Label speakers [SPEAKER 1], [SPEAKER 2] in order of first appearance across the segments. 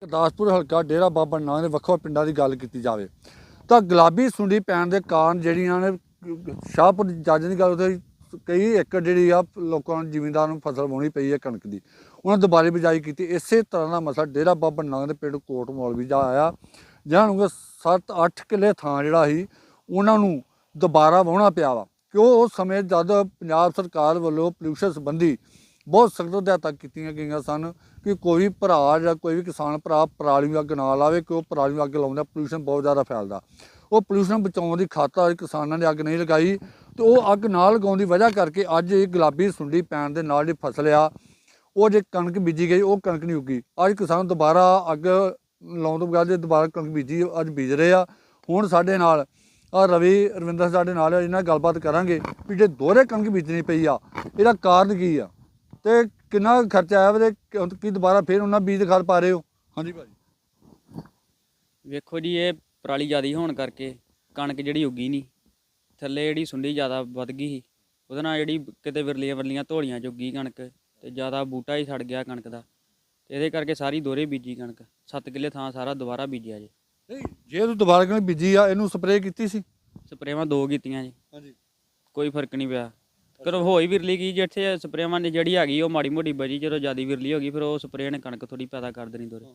[SPEAKER 1] ਗੁਰਦਾਸਪੁਰ ਹਲਕਾ ਡੇਰਾ ਬਾਬਾ ਨਾਨਕ ਦੇ ਵੱਖ-ਵੱਖ ਪਿੰਡਾਂ ਦੀ ਗੱਲ ਕੀਤੀ ਜਾਵੇ ਤਾਂ ਗੁਲਾਬੀ ਸੁੰਡੀ ਪੈਣ ਦੇ ਕਾਰਨ ਜਿਹੜੀਆਂ ਨੇ ਸ਼ਾਹਪੁਰ ਜੱਜ ਦੀ ਗੱਲ ਉੱਥੇ ਕਈ ਏਕੜ ਜਿਹੜੀ ਆ ਲੋਕਾਂ ਨੂੰ ਜ਼ਿਮੀਂਦਾਰਾਂ ਨੂੰ ਫਸਲ ਵਾਹੁਣੀ ਪਈ ਹੈ ਕਣਕ ਦੀ, ਉਹਨਾਂ ਦੁਬਾਰੇ ਬਿਜਾਈ ਕੀਤੀ। ਇਸੇ ਤਰ੍ਹਾਂ ਦਾ ਮਸਲਾ ਡੇਰਾ ਬਾਬਾ ਨਾਨਕ ਦੇ ਪਿੰਡ ਕੋਟ ਮੌਲਵੀ ਦਾ ਆਇਆ, ਜਿਹਨਾਂ ਨੂੰ 7-8 ਕਿੱਲੇ ਥਾਂ ਜਿਹੜਾ ਸੀ ਉਹਨਾਂ ਨੂੰ ਦੁਬਾਰਾ ਵਾਹੁਣਾ ਪਿਆ ਵਾ, ਕਿਉਂ ਉਸ ਸਮੇਂ ਜਦ ਪੰਜਾਬ ਸਰਕਾਰ ਵੱਲੋਂ ਪੋਲਿਊਸ਼ਨ ਸੰਬੰਧੀ ਬਹੁਤ ਸਖਤ ਹਦਾਇਤਾਂ ਕੀਤੀਆਂ ਗਈਆਂ ਸਨ ਕਿ ਕੋਈ ਭਰਾ ਜਾਂ ਕੋਈ ਵੀ ਕਿਸਾਨ ਭਰਾ ਪਰਾਲੀ ਨੂੰ ਅੱਗ ਨਾ ਲਾਵੇ, ਕਿ ਉਹ ਪਰਾਲੀ ਨੂੰ ਅੱਗ ਲਾਉਂਦਾ ਪੋਲਿਊਸ਼ਨ ਬਹੁਤ ਜ਼ਿਆਦਾ ਫੈਲਦਾ। ਉਹ ਪੋਲਿਊਸ਼ਨ ਬਚਾਉਣ ਦੀ ਖਾਤਰ ਕਿਸਾਨਾਂ ਨੇ ਅੱਗ ਨਹੀਂ ਲਗਾਈ ਤੇ ਉਹ ਅੱਗ ਨਾ ਲਗਾਉਣ ਦੀ ਵਜ੍ਹਾ ਕਰਕੇ ਅੱਜ ਇਹ ਗੁਲਾਬੀ ਸੁੰਡੀ ਪੈਣ ਦੇ ਨਾਲ ਜਿਹੜੀ ਫਸਲ ਆ ਉਹ ਜੇ ਕਣਕ ਬੀਜੀ ਗਈ ਉਹ ਕਣਕ ਨਹੀਂ ਉੱਗੀ। ਅੱਜ ਕਿਸਾਨ ਦੁਬਾਰਾ ਅੱਗ ਲਾਉਣ ਤੋਂ ਬਗੈਰ ਜੇ ਦੁਬਾਰਾ ਕਣਕ ਬੀਜੀ ਅੱਜ ਬੀਜ ਰਹੇ ਆ। ਹੁਣ ਸਾਡੇ ਨਾਲ ਰਵਿੰਦਰ ਸਾਡੇ ਨਾਲ ਇਹਨਾਂ ਨਾਲ ਗੱਲਬਾਤ ਕਰਾਂਗੇ ਵੀ ਜੇ ਦੋਹਰੇ ਕਣਕ ਬੀਜਣੀ ਪਈ ਆ ਇਹਦਾ ਕਾਰਨ ਕੀ ਆ ਤੇ ਕਿੰਨਾ ਖਰਚਾ ਆਇਆ ਵੇ, ਕੀ ਦੁਬਾਰਾ ਫਿਰ ਉਹਨਾਂ ਬੀਜ ਖਾਦ ਪਾ ਰਹੇ ਹੋ? ਹਾਂਜੀ ਭਾਜੀ।
[SPEAKER 2] ਵੇਖੋ ਜੀ, ਇਹ ਪਰਾਲੀ ਜ਼ਿਆਦਾ ਹੋਣ ਕਰਕੇ ਕਣਕ ਜਿਹੜੀ ਉੱਗੀ ਨਹੀਂ, ਥੱਲੇ ਜਿਹੜੀ ਸੁੰਡੀ ਜ਼ਿਆਦਾ ਵੱਧ ਗਈ ਸੀ, ਉਹਦੇ ਨਾਲ ਜਿਹੜੀ ਕਿਤੇ ਵਿਰਲੀਆਂ ਧੋਲੀਆਂ 'ਚ ਉੱਗੀ ਕਣਕ ਤੇ ਜ਼ਿਆਦਾ ਬੂਟਾ ਹੀ ਸੜ ਗਿਆ ਕਣਕ ਦਾ, ਤੇ ਇਹਦੇ ਕਰਕੇ ਸਾਰੀ ਦੋਹਰੇ ਬੀਜੀ ਕਣਕ 7 ਕਿੱਲੇ ਥਾਂ ਸਾਰਾ ਦੁਬਾਰਾ ਬੀਜਿਆ ਜੀ।
[SPEAKER 1] ਨਹੀਂ, ਜੇ ਤੂੰ ਦੁਬਾਰਾ ਕਣਕ ਬੀਜੀ ਆ ਇਹਨੂੰ ਸਪਰੇਅ ਕੀਤੀ ਸੀ?
[SPEAKER 2] ਸਪਰੇਵਾਂ 2 ਕੀਤੀਆਂ ਜੀ।
[SPEAKER 1] ਹਾਂਜੀ।
[SPEAKER 2] ਕੋਈ ਫਰਕ ਨਹੀਂ ਪਿਆ। ਫਿਰ ਹੋਈ ਵਿਰਲੀ ਗਈ, ਜਿੱਥੇ ਸਪਰੇਵਾਂ ਨੇ ਜਿਹੜੀ ਹੈਗੀ ਉਹ ਮਾੜੀ ਮੋਟੀ ਬਚੀ, ਜਦੋਂ ਜ਼ਿਆਦਾ ਵਿਰਲੀ ਹੋ ਗਈ ਫਿਰ ਉਹ ਸਪਰੇਅ ਨੇ ਕਣਕ ਥੋੜੀ ਪੈਦਾ ਕਰ ਦੇਣੀ ਦੋਰੇ।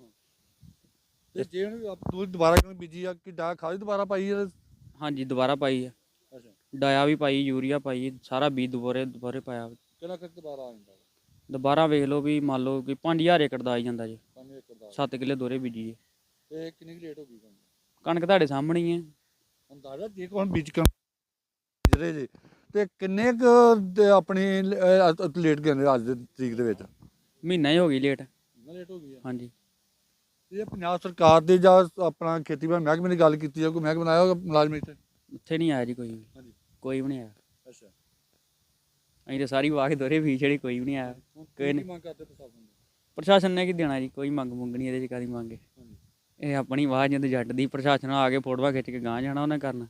[SPEAKER 1] ਤੇ ਜੇ ਤੂੰ ਦੁਬਾਰਾ ਕਣਕ ਬੀਜੀ ਆ ਕਿ ਡਾ ਖਾਦ ਦੁਬਾਰਾ ਪਾਈ ਆ?
[SPEAKER 2] ਹਾਂਜੀ, ਦੁਬਾਰਾ ਪਾਈ ਆ।
[SPEAKER 1] ਅੱਛਾ।
[SPEAKER 2] ਡਾਇਆ ਵੀ ਪਾਈ, ਯੂਰੀਆ ਪਾਈ, ਸਾਰਾ ਬੀਜ ਦੁਬਾਰੇ ਪਾਇਆ।
[SPEAKER 1] ਕਿੰਨਾ ਖਰਚ ਦੁਬਾਰਾ ਆ ਜਾਂਦਾ?
[SPEAKER 2] ਦੁਬਾਰਾ ਵੇਖ ਲਓ ਵੀ ਮੰਨ ਲਓ ਕਿ 5000 ਏਕੜ ਦਾ ਆ ਜਾਂਦਾ ਜੀ।
[SPEAKER 1] 5 ਏਕੜ ਦਾ।
[SPEAKER 2] 7 ਕਿੱਲੇ ਦੋਰੇ ਬੀਜੀ।
[SPEAKER 1] ਤੇ ਕਿੰਨੀ ਕੁ ਲੇਟ ਹੋ ਗਈ
[SPEAKER 2] ਕਣਕ ਤੁਹਾਡੇ ਸਾਹਮਣੇ ਹੀ ਹੈ।
[SPEAKER 1] ਅੰਦਾਜ਼ਾ ਜੇ ਕੋਈ ਬੀਜ ਬੀਜ ਰਹੇ ਜੇ ਤੇ ਕਿੰਨੇ ਕੁ ਆਪਣੀ ਲੇਟ ਗਏ ਅੱਜ ਦੀ ਤਰੀਕ ਦੇ ਵਿੱਚ?
[SPEAKER 2] ਮਹੀਨਾ ਹੀ ਹੋ ਗਈ ਲੇਟ।
[SPEAKER 1] ਲੇਟ ਹੋ ਗਈ ਆ।
[SPEAKER 2] ਹਾਂਜੀ।
[SPEAKER 1] ਇਹ ਪੰਜਾਬ ਸਰਕਾਰ ਦੇ ਜਾਂ ਆਪਣਾ ਖੇਤੀਬਾੜੀ ਮਹਿਕਮੇ ਦੀ ਗੱਲ ਕੀਤੀ ਜਾਂ ਕੋਈ ਮਹਿਕਮਾ ਬਣਾਇਆ ਹੋਗਾ ਮੁਲਾਜ਼ਮ
[SPEAKER 2] ਇੱਥੇ ਨਹੀਂ ਆਇਆ ਜੀ ਕੋਈ ਵੀ।
[SPEAKER 1] ਹਾਂਜੀ।
[SPEAKER 2] ਕੋਈ ਵੀ ਨਹੀਂ ਆਇਆ।
[SPEAKER 1] ਅੱਛਾ।
[SPEAKER 2] ਅਸੀਂ ਤਾਂ ਸਾਰੀ ਵਾਹ ਕੇ ਦੋਰੇ ਵੀ ਜਿਹੜੀ ਕੋਈ ਵੀ ਨਹੀਂ ਆਇਆ। ਕੋਈ ਨਹੀਂ।
[SPEAKER 1] ਮੰਗ ਕਰਦੇ ਪ੍ਰਸ਼ਾਸਨ ਨੂੰ?
[SPEAKER 2] ਪ੍ਰਸ਼ਾਸਨ ਨੇ ਕੀ ਦੇਣਾ ਜੀ, ਕੋਈ ਮੰਗ ਨਹੀਂ ਇਹਦੇ 'ਚ। ਕਾਹਦੀ ਮੰਗ? ਇਹ ਆਪਣੀ ਆਵਾਜ਼ ਜਿੰਦ ਜੱਟ ਦੀ। ਪ੍ਰਸ਼ਾਸਨ ਆ ਕੇ ਫੋਟੋਆਂ ਖਿੱਚ ਕੇ ਗਾਂਹ ਜਾਣਾ ਉਹਨੇ ਕਰਨਾ।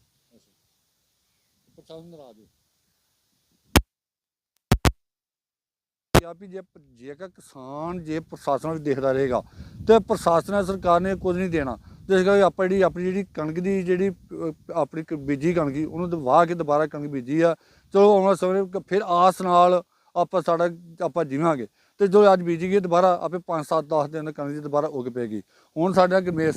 [SPEAKER 1] ਪ੍ਰਸ਼ਾਸਨ ਨਾਰਾਜ਼ ਹੋ ਵੀ ਜੇਕਰ ਕਿਸਾਨ ਜੇ ਪ੍ਰਸ਼ਾਸਨ ਵਿੱਚ ਦੇਖਦਾ ਰਹੇਗਾ ਤੇ ਪ੍ਰਸ਼ਾਸਨ ਸਰਕਾਰ ਨੇ ਕੁਝ ਨਹੀਂ ਦੇਣਾ। ਜਿਸ ਕਰਕੇ ਆਪਾਂ ਜਿਹੜੀ ਕਣਕ ਦੀ ਜਿਹੜੀ ਆਪਣੀ ਬੀਜੀ ਕਣਕ ਉਹਨੂੰ ਵਾਹ ਕੇ ਦੁਬਾਰਾ ਕਣਕ ਬੀਜੀ ਆ, ਚਲੋ ਆਉਣ ਵਾਲੇ ਸਮੇਂ ਫਿਰ ਆਸ ਨਾਲ ਆਪਾਂ ਜੀਵਾਂਗੇ। ਤੇ ਜੋ ਅੱਜ ਬੀਜੀ ਗਈ ਦੁਬਾਰਾ ਆਪੇ 5-7-10 ਦਿਨ ਕਣਕ ਦੀ ਦੁਬਾਰਾ ਉੱਗ ਪਏਗੀ। ਹੁਣ ਸਾਡਾ ਗਰਮੇਸ਼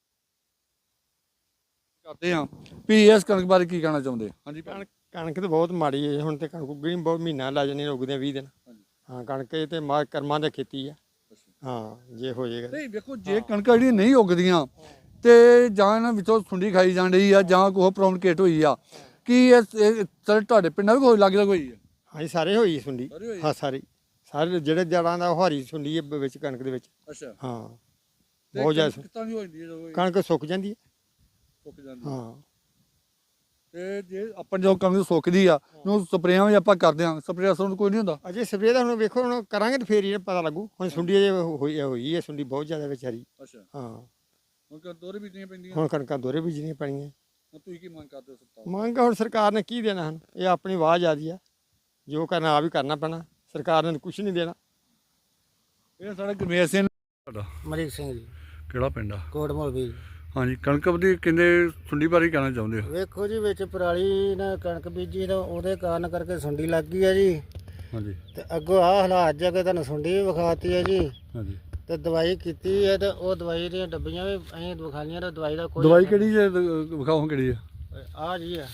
[SPEAKER 1] ਕਰਦੇ ਹਾਂ ਵੀ ਇਸ ਕਣਕ ਬਾਰੇ ਕੀ ਕਹਿਣਾ ਚਾਹੁੰਦੇ? ਹਾਂਜੀ।
[SPEAKER 3] ਕਣਕ ਤਾਂ ਬਹੁਤ ਮਾੜੀ ਹੈ ਹੁਣ, ਤੇ ਕਣਕ ਉੱਗਣੀ ਬਹੁਤ ਮਹੀਨਾ ਲੱਗ ਜਾਣੀ, ਉੱਗਦੇ 20 ਦਿਨ। ਹਾਂ, ਕਣਕ ਇਹ ਤੇ ਕਰਮਾਂ ਦੀ ਖੇਤੀ ਆ। ਹਾਂ, ਜੇ ਹੋ ਜਾਏਗਾ।
[SPEAKER 1] ਨਹੀਂ ਵੇਖੋ, ਜੇ ਕਣਕਾਂ ਜਿਹੜੀਆਂ ਨਹੀਂ ਉੱਗਦੀਆਂ ਤੇ ਜਾਂ ਇਹਨਾਂ ਵਿੱਚੋਂ ਸੁੰਡੀ ਖਾਈ ਜਾਣ ਰਹੀ ਆ ਜਾਂ ਕੋਈ ਪ੍ਰੋਬਲਮ ਹੋਈ ਆ, ਕੀ ਇਹ ਤੁਹਾਡੇ ਪਿੰਡਾਂ ਵੀ ਕੋਈ ਲੱਗਦਾ ਕੋਈ?
[SPEAKER 3] ਹਾਂਜੀ, ਸਾਰੇ ਹੋਈ ਸੁੰਡੀ। ਹਾਂ, ਸਾਰੇ ਜਿਹੜੇ ਜੜਾਂ ਦਾ ਉਹ ਹਰੀ ਸੁੰਡੀ ਹੈ ਵਿੱਚ ਕਣਕ ਦੇ ਵਿੱਚ।
[SPEAKER 1] ਅੱਛਾ।
[SPEAKER 3] ਹਾਂ, ਬਹੁਤ ਜ਼ਿਆਦਾ
[SPEAKER 1] ਕਿੱਦਾਂ ਦੀ ਹੋ ਜਾਂਦੀ ਹੈ?
[SPEAKER 3] ਕਣਕ ਸੁੱਕ ਜਾਂਦੀ ਹੈ।
[SPEAKER 1] ਸੁੱਕ ਜਾਂਦੀ।
[SPEAKER 3] ਹਾਂ।
[SPEAKER 1] ਤੇ ਜੇ ਆਪਾਂ ਜੋ ਕਣਕ ਸੁੱਕਦੀ ਆ ਉਹਨੂੰ ਸਪਰੇਆਂ ਵੀ ਆਪਾਂ ਕਰਦੇ ਹਾਂ, ਸਪਰੇਅ ਅਸਰ ਕੋਈ ਨਹੀਂ ਹੁੰਦਾ?
[SPEAKER 3] ਅਜੇ ਸਪਰੇਅ ਦਾ ਹੁਣ ਵੇਖੋ, ਹੁਣ ਕਰਾਂਗੇ ਤਾਂ ਫੇਰ ਹੀ ਪਤਾ ਲੱਗੂ। ਹੁਣ ਸੁੰਡੀ ਅਜੇ ਹੋਈ ਹੈ ਸੁੰਡੀ ਬਹੁਤ ਜ਼ਿਆਦਾ ਵਿੱਚ ਹਰੀ।
[SPEAKER 1] ਅੱਛਾ।
[SPEAKER 3] ਹਾਂ।
[SPEAKER 1] ਹੁਣ ਦੋਰੇ ਬੀਜਣੀਆਂ ਪੈਂਦੀਆਂ?
[SPEAKER 3] ਹੁਣ ਕਣਕਾਂ ਦੋਰੇ ਬੀਜਣੀਆਂ ਪੈਣੀਆਂ।
[SPEAKER 1] ਤੁਸੀਂ ਕੀ ਮੰਗ ਕਰਦੇ ਹੋ ਸਰਕਾਰ?
[SPEAKER 3] ਮੰਗ ਹੁਣ ਸਰਕਾਰ ਨੇ ਕੀ ਦੇਣਾ ਹਨ? ਇਹ ਆਪਣੀ ਆਵਾਜ਼ ਆਦੀ ਆ, ਜੋ ਕਰਨਾ ਆ ਵੀ ਕਰਨਾ ਪੈਣਾ। ਸਰਕਾਰ ਨੇ ਕੁਝ ਨਹੀਂ ਦੇਣਾ।
[SPEAKER 1] ਇਹ ਸਾਡਾ ਗਰਮੇਸ਼ ਸਿੰਘ ਤੁਹਾਡਾ?
[SPEAKER 4] ਮਰੀਕ ਸਿੰਘ ਜੀ।
[SPEAKER 1] ਕਿਹੜਾ ਪਿੰਡ ਆ?
[SPEAKER 4] ਕੋਟ ਮੌਲਵੀ।
[SPEAKER 1] ਹਾਂਜੀ। ਕਣਕ ਦੀ ਕਹਿੰਦੇ ਸੁੰਡੀ ਬਾਰੇ ਕਹਿਣਾ ਚਾਹੁੰਦੇ ਹੋ?
[SPEAKER 4] ਵੇਖੋ ਜੀ, ਵਿੱਚ ਪਰਾਲੀ ਨਾਲ ਕਣਕ ਬੀਜੀ ਤਾਂ ਉਹਦੇ ਕਾਰਨ ਕਰਕੇ ਸੁੰਡੀ ਲੱਗ ਗਈ ਹੈ ਜੀ।
[SPEAKER 1] ਹਾਂਜੀ।
[SPEAKER 4] ਤੇ ਅੱਗੋਂ ਆਹ ਹਾਲਾਤ ਜਾ ਕੇ ਤੁਹਾਨੂੰ ਸੁੰਡੀ ਵੀ ਵਿਖਾਤੀ ਹੈ ਜੀ।
[SPEAKER 1] ਹਾਂਜੀ।
[SPEAKER 4] ਤੇ ਦਵਾਈ ਕੀਤੀ ਹੈ ਤੇ ਉਹ ਦਵਾਈ ਦੀਆਂ ਡੱਬੀਆਂ ਵੀ ਅਸੀਂ ਵਿਖਾਈਆਂ ਤੇ ਦਵਾਈ ਦਾ ਕੋਈ
[SPEAKER 1] ਦਵਾਈ ਕਿਹੜੀ ਜੇ ਵਿਖਾਓ ਕਿਹੜੀ ਆ?
[SPEAKER 4] ਆ ਜੀ ਆ।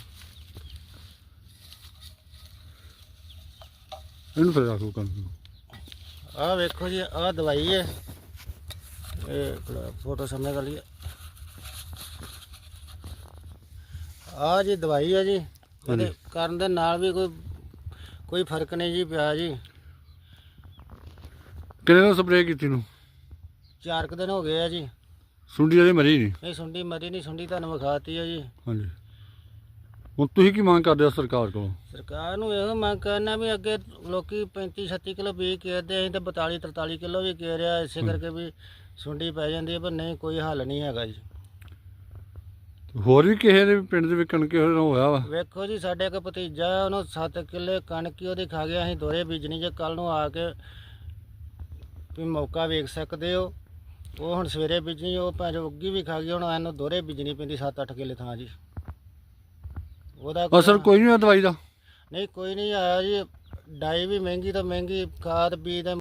[SPEAKER 1] ਇਹਨੂੰ ਫਿਰ ਰੱਖੋ ਕਣਕ ਨੂੰ।
[SPEAKER 4] ਆਹ ਵੇਖੋ ਜੀ, ਆਹ ਦਵਾਈ ਹੈ। ਇਹ ਫੋਟੋ ਸਾਹਮਣੇ ਕਰ ਲਈ। ਆਹ ਜੀ ਦਵਾਈ ਹੈ ਜੀ। ਇਹਦੇ ਕਰਨ ਦੇ ਨਾਲ ਵੀ ਕੋਈ ਫਰਕ ਨਹੀਂ ਜੀ ਪਿਆ ਜੀ।
[SPEAKER 1] ਕਿੰਨੇ ਦਿਨ ਸਪਰੇਅ ਕੀਤੀ ਨੂੰ?
[SPEAKER 4] 4 ਕੁ ਦਿਨ ਹੋ ਗਏ ਆ ਜੀ।
[SPEAKER 1] ਸੁੰਡੀ ਅਜੇ ਮਰੀ ਨਹੀਂ?
[SPEAKER 4] ਇਹ ਸੁੰਡੀ ਮਰੀ ਨਹੀਂ, ਸੁੰਡੀ ਤੁਹਾਨੂੰ ਵਿਖਾਤੀ ਹੈ ਜੀ।
[SPEAKER 1] ਹਾਂਜੀ। ਹੁਣ ਤੁਸੀਂ ਕੀ ਮੰਗ ਕਰਦੇ ਹੋ ਸਰਕਾਰ ਕੋਲੋਂ?
[SPEAKER 4] ਸਰਕਾਰ ਨੂੰ ਇਹੋ ਮੰਗ ਕਰਨਾ ਵੀ ਅੱਗੇ ਲੋਕੀ 35-36 ਕਿਲੋ ਬੀਜ ਕੇਰਦੇ, ਅਸੀਂ ਤਾਂ 42-43 ਕਿਲੋ ਵੀ ਕੇਰਿਆ, ਇਸੇ ਕਰਕੇ ਵੀ ਸੁੰਡੀ ਪੈ ਜਾਂਦੀ ਹੈ। ਪਰ ਨਹੀਂ, ਕੋਈ ਹੱਲ ਨਹੀਂ ਹੈਗਾ ਜੀ।
[SPEAKER 1] ਹੋਰ ਵੀ ਕਿਸੇ ਦੇ ਪਿੰਡ ਦੇ ਵਿੱਚ ਕਣਕ ਹੋਇਆ ਵਾ?
[SPEAKER 4] ਵੇਖੋ ਜੀ, ਸਾਡੇ ਇੱਕ ਭਤੀਜਾ ਉਹਨੂੰ 7 ਕਿੱਲੇ ਕਣਕ ਹੀ ਉਹਦੀ ਖਾ ਗਿਆ। ਅਸੀਂ ਦੋਰੇ ਬੀਜਣੀ, ਜੇ ਕੱਲ ਨੂੰ ਆ ਕੇ ਵੀ ਮੌਕਾ ਵੇਖ ਸਕਦੇ ਹੋ। ਉਹ ਹੁਣ ਸਵੇਰੇ ਬੀਜਣੀ, ਉਹ ਭਾਵੇਂ ਉੱਗੀ ਵੀ ਖਾ ਗਈ, ਹੁਣ ਇਹਨੂੰ ਦੋਹਰੇ ਬੀਜਣੀ ਪੈਂਦੀ 7-8 ਕਿੱਲੇ ਥਾਂ ਜੀ। ਉਹਦਾ
[SPEAKER 1] ਅਸਰ ਕੋਈ ਨਹੀਂ ਹੋਇਆ ਦਵਾਈ ਦਾ?
[SPEAKER 4] ਨਹੀਂ ਕੋਈ ਨਹੀਂ ਆਇਆ ਜੀ। ਡਾਈ ਵੀ ਮਹਿੰਗੀ ਤੋਂ ਮਹਿੰਗੀ, ਖਾਦ ਬੀਜ ਦਾ